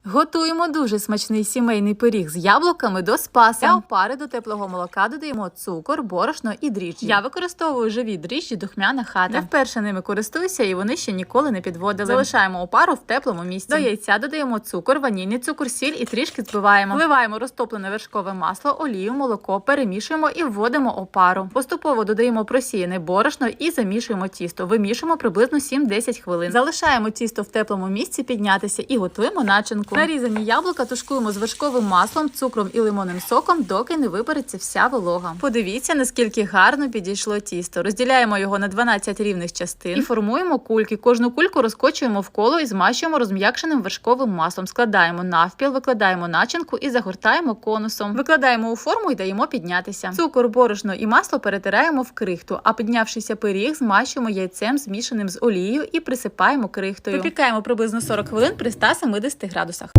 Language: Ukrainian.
Готуємо дуже смачний сімейний пиріг з яблуками до спаса. Для опари до теплого молока додаємо цукор, борошно і дріжджі. Я використовую живі дріжджі Духмяна хата. Не вперше ними користуюся і вони ще ніколи не підводили. Залишаємо опару в теплому місці. До яйця додаємо цукор, ванільний цукор, сіль і трішки збиваємо. Вливаємо розтоплене вершкове масло, олію, молоко, перемішуємо і вводимо опару. Поступово додаємо просіяне борошно і замішуємо тісто. Вимішуємо приблизно 7-10 хвилин. Залишаємо тісто в теплому місці піднятися і готуємо начинку. Нарізані яблука тушкуємо з вершковим маслом, цукром і лимонним соком, доки не випариться вся волога. Подивіться, наскільки гарно підійшло тісто. Розділяємо його на 12 рівних частин і формуємо кульки. Кожну кульку розкочуємо в коло і змащуємо розм'якшеним вершковим маслом. Складаємо навпіл, викладаємо начинку і загортаємо конусом. Викладаємо у форму і даємо піднятися. Цукор, борошно і масло перетираємо в крихту, а піднявшийся пиріг змащуємо яйцем, змішаним з олією, і присипаємо крихтою. Випікаємо приблизно 40 хвилин при 170 градусах.